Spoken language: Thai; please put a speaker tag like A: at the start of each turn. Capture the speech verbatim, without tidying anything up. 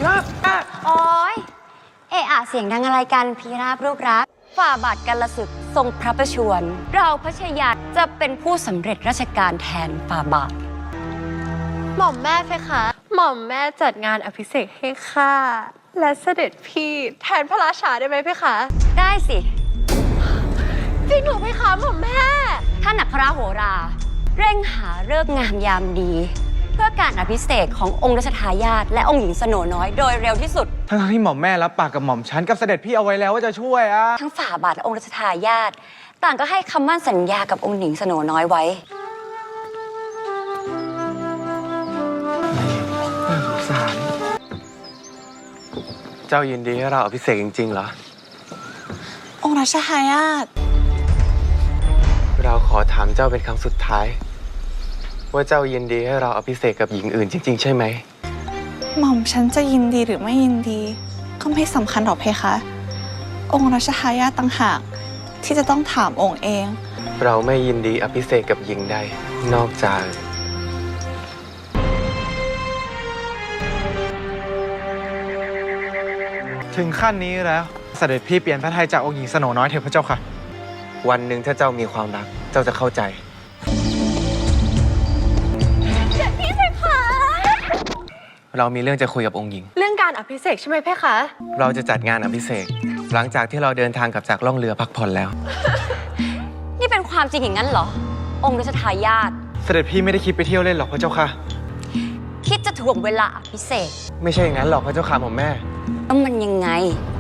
A: ราบ
B: โอ้ยเอะอะเสียงดังอะไรกันพีราบรูปรักฝ่าบาทกันละศึกทรงพระประชวรเราพระชายาจะเป็นผู้สำเร็จราชการแทนฝ่าบาท
C: หม่อมแม่เพคะหม่อมแม่จัดงานอภิเษกให้ข้าและเสด็จพี่แทนพระราชาได้ไหมเพคะ
B: ได้สิ
C: จริงเหรอเพคะหม่อมแม่
B: ท่านอัครโหรา เร่งหาฤกษ์งามยามดี เพื่อการอภิเษกขององค์รัชทายาทและองค์หญิงสโนน้อยโดยเร็วที่สุด
A: ทั้งที่หม่อมแม่รับปากกับหม่อมฉันกับเสด็จพี่เอาไว้แล้วว่าจะช่วยอะ
B: ทั้งฝ่าบาทและองค์รัชทายาทต่างก็ให้คำมั่นสัญญากับองค์หญิงสโนน้อยไว้
A: น่าสงสารเจ้ายินดีให้เราอภิเษกจริงๆเหรอ
D: องค์รัชทายาท
A: เราขอถามเจ้าเป็นครั้งสุดท้ายว่าเจ้ายินดีให้เราอภิเษกกับหญิงอื่นจริงๆใช่ไหม
D: หม่อมฉันจะยินดีหรือไม่ยินดีก็ไม่สำคัญหรอกเพคะ องค์รัชทายาทต่างหากที่จะต้องถามองค์เอง
A: เราไม่ยินดีอภิเษกกับหญิงใดนอกจากถึงขั้นนี้แล้วเสด็จพี่เปลี่ยนพระทัยจากองค์หญิงสโนน้อยเถิดพระเจ้าค่ะวันหนึ่งถ้าเจ้ามีความรักเจ้าจะเข้าใจ
C: เสด็จพี่เพคะ
A: เรามีเรื่องจะคุยกับองค์หญิง
C: เรื่องการอภิเษกใช่ไหมเพคะ
A: เราจะจัดงานอภิเษกหลังจากที่เราเดินทางกลับจากล่องเรือพักผ่อนแล้ว
B: นี่เป็นความจริงอย่างนั้นเหรอองค์รัชทายาท
A: เสด็จพี่ไม่ได้คิดไปเที่ยวเล่นหรอกพระเจ้าค่ะ
B: คิดจะถ่วงเวลาอภิเษก
A: ไม่ใช่อย่างนั้นหรอกพระเจ้าค่ะหม่อมแม่
B: แล้วมันยังไง